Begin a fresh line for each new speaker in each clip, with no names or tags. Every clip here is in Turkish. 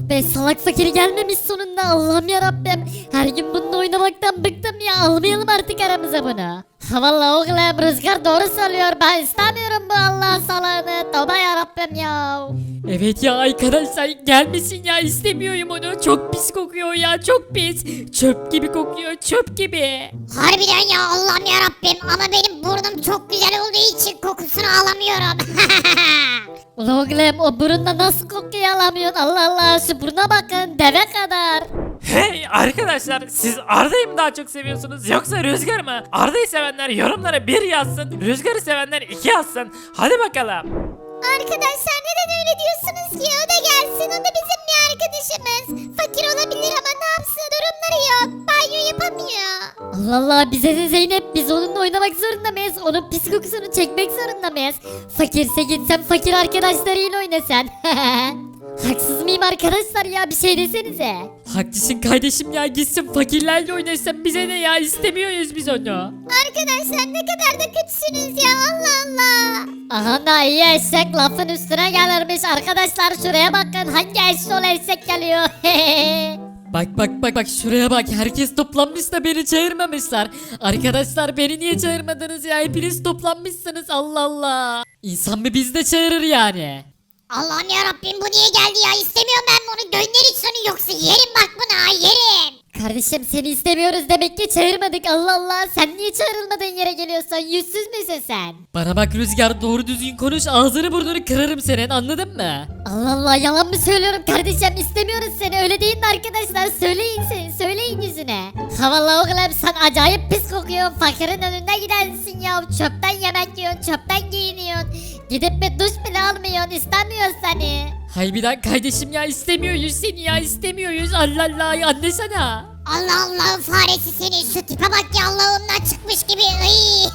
be, salak fakir gelmemiş sonunda. Allah'ım yarabbim. Her gün bununla oynamaktan bıktım ya. Almayalım artık aramıza bunu. Ha vallahi oğlum, Rüzgar doğru söylüyor. Ben istemiyorum bu Allah salağını. Tövbe yarabbim ya.
Evet ya arkadaşlar, gelmesin ya, istemiyorum onu. Çok pis kokuyor ya, çok pis. Çöp gibi kokuyor, çöp gibi.
Harbiden ya, Allah'ım yarabbim, ama benim burnum çok güzel olduğu için kokusunu alamıyorum.
Ulan oğlum, o burunla nasıl kokuyu alamıyorsun? Allah Allah, şu buruna bakın, deve kadar.
Hey arkadaşlar, siz Arda'yı mı daha çok seviyorsunuz yoksa Rüzgar mı? Arda'yı sevenler yorumlara 1 yazsın, Rüzgar'ı sevenler 2 yazsın. Hadi bakalım.
Arkadaşlar, neden öyle diyorsunuz ki? O da gelsin, o da bizim bir arkadaşımız. Fakir olabilir ama ne yapsın, durumları yok. Banyo yapamıyor.
Allah Allah, bize de Zeynep, biz onunla oynamak zorunda mıyız? Onun pis kokusunu çekmek zorunda mıyız? Fakirse gitsen fakir arkadaşlarıyla oynasan. Haksız mıyım arkadaşlar ya, bir şey desenize.
Haklısın kardeşim ya, gitsin fakirlerle oynasın, bize ne ya, istemiyoruz biz onu.
Arkadaşlar, ne kadar da kötüsünüz ya, Allah Allah.
Aha da iyi eşek lafın üstüne gelirmiş. Arkadaşlar şuraya bakın, hangi eşşoğlu eşek geliyor.
Bak şuraya bak, herkes toplanmış da beni çağırmamışlar. Arkadaşlar, beni niye çağırmadınız ya, hepiniz toplanmışsınız, Allah Allah. İnsan bir biz de çağırır yani.
Allah'ım yarabbim, bu niye geldi ya? İstemiyorum ben bunu. Gönder hiç onu, yoksa yerim bak buna, yerim.
Kardeşim, seni istemiyoruz demek ki çağırmadık. Allah Allah, sen niye çağrılmadığın yere geliyorsun? Yüzsüz müsün sen?
Bana bak Rüzgar, doğru düzgün konuş, ağzını burnunu kırarım senin, anladın mı?
Allah Allah, yalan mı söylüyorum kardeşim? İstemiyoruz seni, öyle değil mi arkadaşlar? Söyleyin yüzüne. Ha vallahi oğlum, sen acayip pis kokuyorsun. Fakirin önünde gidersin ya. Çöpten yemek yiyorsun, çöpten giyiniyorsun. Gidip bir duş bile almıyorsun, istemiyoruz seni.
Haybiden kardeşim ya, istemiyoruz seni ya, istemiyoruz, Allah Allah, anlasana.
Allah Allah, faresi seni, şu tipe bak ya, Allah'ımdan çıkmış gibi. Iy.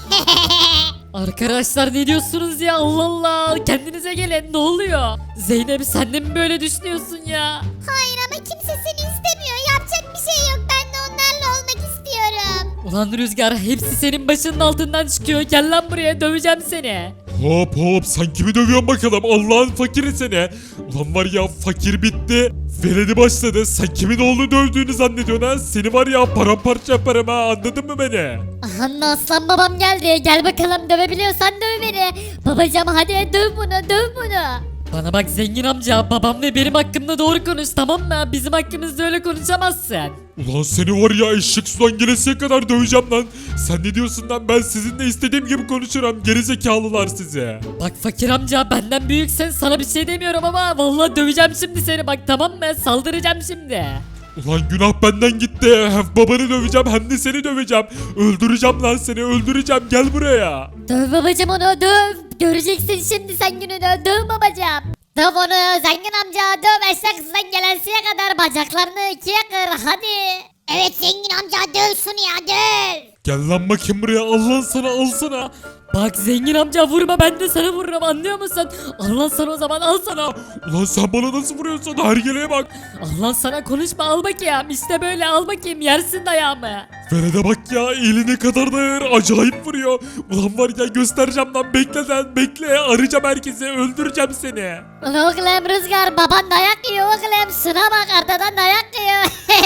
Arkadaşlar, ne diyorsunuz ya, Allah Allah, kendinize gelin, ne oluyor? Zeynep, sen de mi böyle düşünüyorsun ya?
Hayır, ama kimse seni istemiyor. Yapacak bir şey yok. Ben de onlarla olmak istiyorum.
Ulan Rüzgar, hepsi senin başının altından çıkıyor, gel lan buraya, döveceğim seni.
Hop hop, sen kimi dövüyorsun bakalım, Allah'ın fakiri seni. Ulan var ya, fakir bitti. Veledi başladı. Sen kimin oğlunu dövdüğünü zannediyorsun ha? Seni var ya, paramparça yaparım ha, anladın mı beni?
Aha, aslan babam geldi. Gel bakalım, dövebiliyorsan döv beni. Babacım hadi döv bunu.
Bana bak zengin amca, babam ve benim hakkımda doğru konuş, tamam mı? Bizim hakkımızda öyle konuşamazsın.
Ulan seni var ya, eşek sudan gelesiye kadar döveceğim lan. Sen ne diyorsun lan? Ben sizinle istediğim gibi konuşurum. Gerizekalılar size.
Bak fakir amca, benden büyüksen sana bir şey demiyorum ama vallahi döveceğim şimdi seni, bak tamam mı? Saldıracağım şimdi.
Ulan günah benden gitti. Hem babanı döveceğim hem de seni döveceğim. Öldüreceğim lan seni, öldüreceğim. Gel buraya.
Döv babacım onu, döv. Göreceksin şimdi sen gününü. Döv babacım. Döv onu zengin amca, döv. Eşek kızdan gelesiye kadar bacaklarını ikiye kır hadi.
Evet zengin amca, döv şunu ya, döv.
Gel lan bakayım buraya. Allah sana, al sana.
Bak zengin amca, vurma, ben de sana vururum, anlıyor musun? Allah sana, o zaman al sana.
Ulan sen bana nasıl vuruyorsun? Hergeleye bak.
Allah sana, konuşma, al bakayım, işte böyle, al bakayım, yersin dayağımı.
Velede bak ya, eli ne kadar da ağır. Acayip vuruyor. Ulan var ya, göstereceğim lan, bekle lan, bekle. Arayacağım herkesi, öldüreceğim seni.
Ulan oğlum Rüzgar, baban dayak yiyor oğlum. Şuna bak, arkadan dayak yiyor.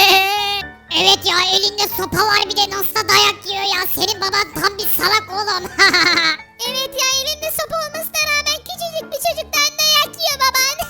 Evet ya, elinde sopa var, bir de nasıl da dayak yiyor ya. Senin baban tam bir salak oğlum. Evet ya, elinde sopa olmasına rağmen küçücük bir çocuktan dayak yiyor baban.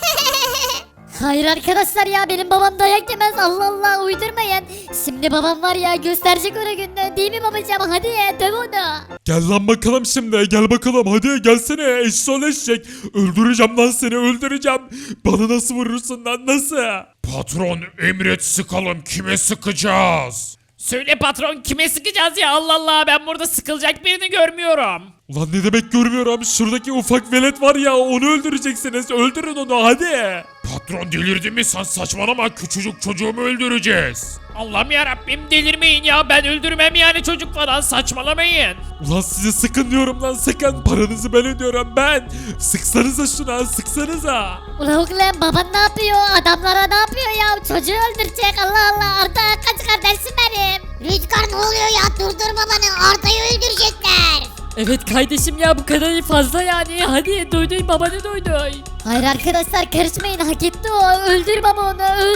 Hayır arkadaşlar ya, benim babam dayak yemez. Allah Allah, uydurmayın. Şimdi babam var ya, gösterecek ona gününü, değil mi babacığım? Hadi döv onu.
Gel lan bakalım şimdi, gel bakalım, hadi gelsene eşşoğlu eşek. Öldüreceğim lan seni, öldüreceğim. Bana nasıl vurursun lan, nasıl? Patron emret, sıkalım, kime sıkacağız?
Söyle patron, kime sıkacağız ya, Allah Allah, ben burada sıkılacak birini görmüyorum.
Ulan ne demek görmüyorum, şuradaki ufak velet var ya, onu öldüreceksiniz, öldürün onu hadi. Patron delirdin mi sen, saçmalama, küçücük çocuğumu öldüreceğiz.
Allah'ım yarabbim, delirmeyin ya, ben öldürmem yani, çocuk falan, saçmalamayın.
Ulan sizi sıkın diyorum lan, sıkın, paranızı ben ödüyorum ben. Sıksanıza şuna, sıksanıza.
Ulan oğlum, baban ne yapıyor? Adamlara ne yapıyor ya? Çocuğu öldürecek. Allah Allah, Arda kaç kardeşim benim.
Rüzgar, ne oluyor ya, durdur babanı, Arda'yı öldürecekler.
Evet kardeşim ya, bu kadarı fazla yani, hadi duyduy, babanı duyduy.
Hayır arkadaşlar, karışmayın, hak etti o. Öldür baba onu,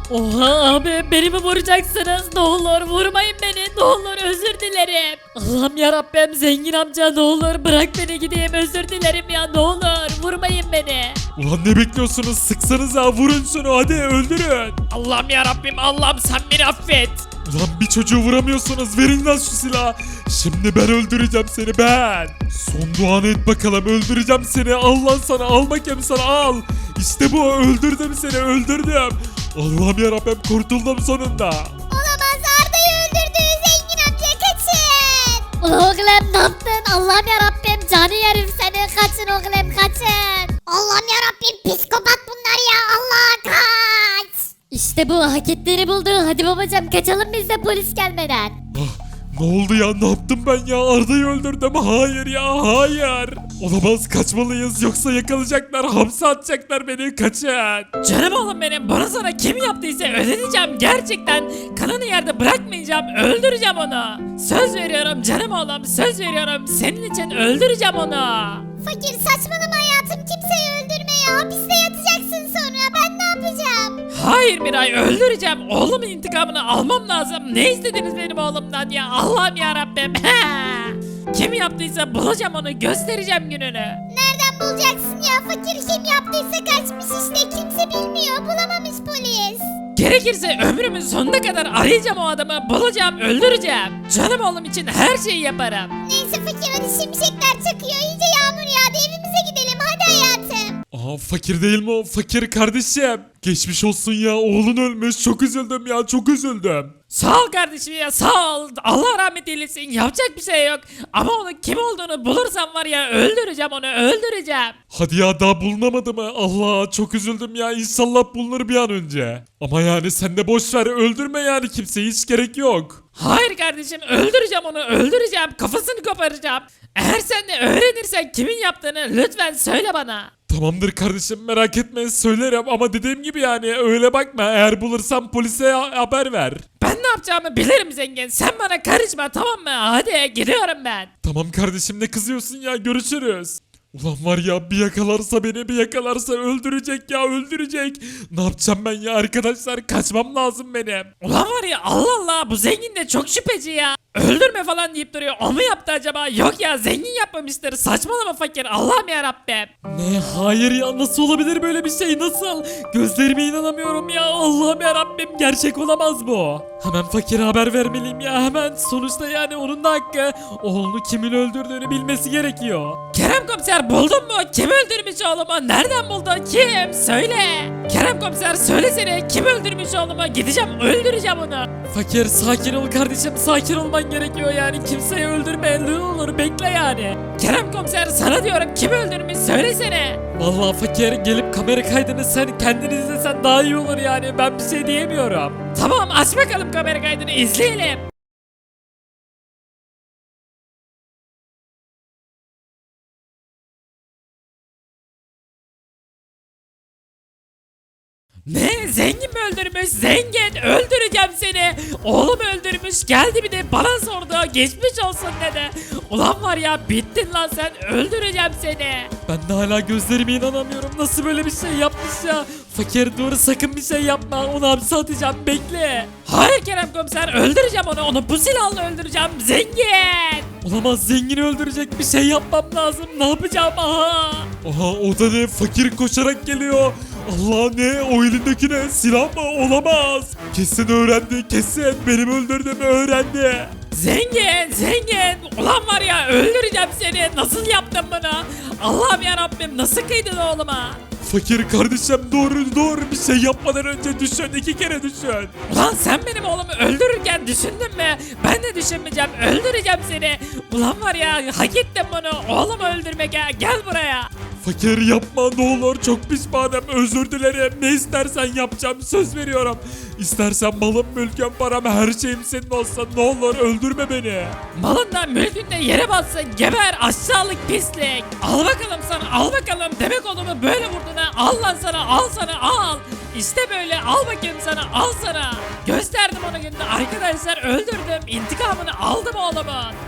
Oha abi beni mi vuracaksınız? Ne olur vurmayın beni. Ne olur özür dilerim. Allah'ım yarabbim zengin amca ne olur bırak beni gideyim özür dilerim ya ne olur vurmayın beni.
Ulan ne bekliyorsunuz? Sıksanıza, vurun şunu, hadi öldürün.
Allah'ım yarabbim Allah'ım sen beni affet.
Ulan bir çocuğu vuramıyorsunuz, verin lan şu silahı. Şimdi ben öldüreceğim seni, ben. Son duanı et bakalım, öldüreceğim seni. Al lan sana, al bakayım sana, al. İşte bu, öldürdüm seni, öldürdüm. Allah'ım yarabbim, kurtuldum sonunda.
Olamaz, Arda'yı öldürdü zengin amca, kaçın.
Ulan oğlum ne yaptın? Allah'ım yarabbim canı yerim seni. Kaçın oğlum kaçın.
Allah'ım yarabbim, psikopat bunlar ya, Allah kaç.
İşte bu hak ettiğini buldu. Hadi babacım kaçalım biz de polis gelmeden.
Ah, ne oldu ya, ne yaptım ben ya? Arda'yı öldürdüm, hayır ya, hayır. Olamaz, kaçmalıyız yoksa yakalayacaklar, hapse atacaklar beni, kaçın.
Canım oğlum benim bunu sana kim yaptıysa ödeteceğim gerçekten. Kanını yerde bırakmayacağım öldüreceğim onu. Söz veriyorum canım oğlum söz veriyorum senin için öldüreceğim onu.
Fakir saçmalama hayatım, kimseyi öldürme ya, hapiste yatacaksın sonra, ben ne yapacağım?
Hayır Miray öldüreceğim oğlumun intikamını almam lazım. Ne istediniz benim oğlumdan ya Allah'ım yarabbim. Kim yaptıysa bulacağım onu göstereceğim gününü.
Nereden bulacaksın ya, fakir kim yaptıysa kaçmış işte, kimse bilmiyor, bulamamış polis.
Gerekirse ömrümün sonuna kadar arayacağım o adamı bulacağım öldüreceğim. Canım oğlum için her şeyi yaparım.
Neyse fakir, hadi şimşekler çakıyor, iyice yağmur yağdı, evimize gidelim hadi hayatım.
Aa, fakir değil mi o? Fakir kardeşim. Geçmiş olsun ya, oğlun ölmüş, çok üzüldüm ya, çok üzüldüm.
Sağ ol kardeşim ya sağ ol. Allah rahmet eylesin yapacak bir şey yok. Ama onun kim olduğunu bulursam var ya öldüreceğim onu öldüreceğim.
Hadi ya, daha bulunamadı mı? Allah, çok üzüldüm ya, İnşallah bulunur bir an önce. Ama yani sen de boş ver, öldürme yani kimseyi, hiç gerek yok.
Hayır kardeşim öldüreceğim onu öldüreceğim kafasını koparacağım. Eğer sen de öğrenirsen kimin yaptığını lütfen söyle bana.
Tamamdır kardeşim, merak etme, söylerim ama dediğim gibi yani öyle bakma, eğer bulursam polise haber ver.
Ben ne yapacağımı bilirim zengin sen bana karışma tamam mı hadi gidiyorum ben.
Tamam kardeşim, ne kızıyorsun ya, görüşürüz. Ulan var ya, bir yakalarsa beni, bir yakalarsa öldürecek ya, öldürecek. Ne yapacağım ben ya arkadaşlar, kaçmam lazım benim.
Ulan var ya Allah Allah bu zengin de çok şüpheci ya. Öldürme falan deyip duruyor. O mu yaptı acaba? Yok ya zengin yapmamıştır. Saçmalama fakir. Allah'ım yarabbim.
Ne, hayır ya, nasıl olabilir böyle bir şey, nasıl? Gözlerime inanamıyorum ya, Allah'ım yarabbim, gerçek olamaz bu. Hemen fakire haber vermeliyim ya, hemen. Sonuçta yani onun da hakkı, oğlunu kimin öldürdüğünü bilmesi gerekiyor.
Kerem komiser buldun mu? Kim öldürmüş oğlumu? Nereden buldun? Kim? Söyle. Kerem komiser söylesene. Kim öldürmüş oğlumu? Gideceğim öldüreceğim onu.
Fakir, sakin ol kardeşim, sakin olman gerekiyor yani, kimseyi öldürme, ne olur bekle yani.
Kerem komiser sana diyorum kim öldürmüş? Söylesene.
Vallahi fakir, gelip kamera kaydını sen kendin izlesen daha iyi olur yani, ben bir şey diyemiyorum.
Tamam aç bakalım kamera kaydını izleyelim. Ne? Zengin mi öldürmüş? Zengin öldüreceğim seni. Oğlum öldürmüş geldi bir de bana sordu. Geçmiş olsun dedi. Ulan var ya bittin lan sen öldüreceğim seni.
Ben de hala gözlerime inanamıyorum, nasıl böyle bir şey yapmış ya. Fakir dur, sakın bir şey yapma, onu hapse atacağım, bekle.
Hayır Kerem komiser öldüreceğim onu bu silahla öldüreceğim zengin.
Olamaz, zengini öldürecek, bir şey yapmam lazım, ne yapacağım, aha. Aha, o da ne, fakir koşarak geliyor. Allah, ne o elindeki, ne silah mı, olamaz. Kesin öğrendi, kesin benim öldürdüğümü öğrendi.
Zengin ulan var ya öldüreceğim seni nasıl yaptın bunu Allah'ım yarabbim nasıl kıydın oğluma.
Fakir kardeşim, dur bir şey yapmadan önce düşün, 2 kere düşün.
Ulan sen benim oğlumu öldürürken düşündün mü? Ben de düşünmeyeceğim öldüreceğim seni. Ulan var ya hak ettin bunu oğlumu öldürmek ya gel buraya.
Fakir yapma ne olur, çok pişmanım, özür dilerim, ne istersen yapacağım, söz veriyorum. İstersen malım, mülküm, param, her şeyim senin olsun, ne olur öldürme beni.
Malından mülkünde yere batsın geber aşağılık pislik. Al bakalım sana al bakalım demek oğlumu böyle vurdun ha al lan sana al. İşte böyle al bakayım sana al sana. Gösterdim onu günde arkadaşlar öldürdüm intikamını aldım oğlumun.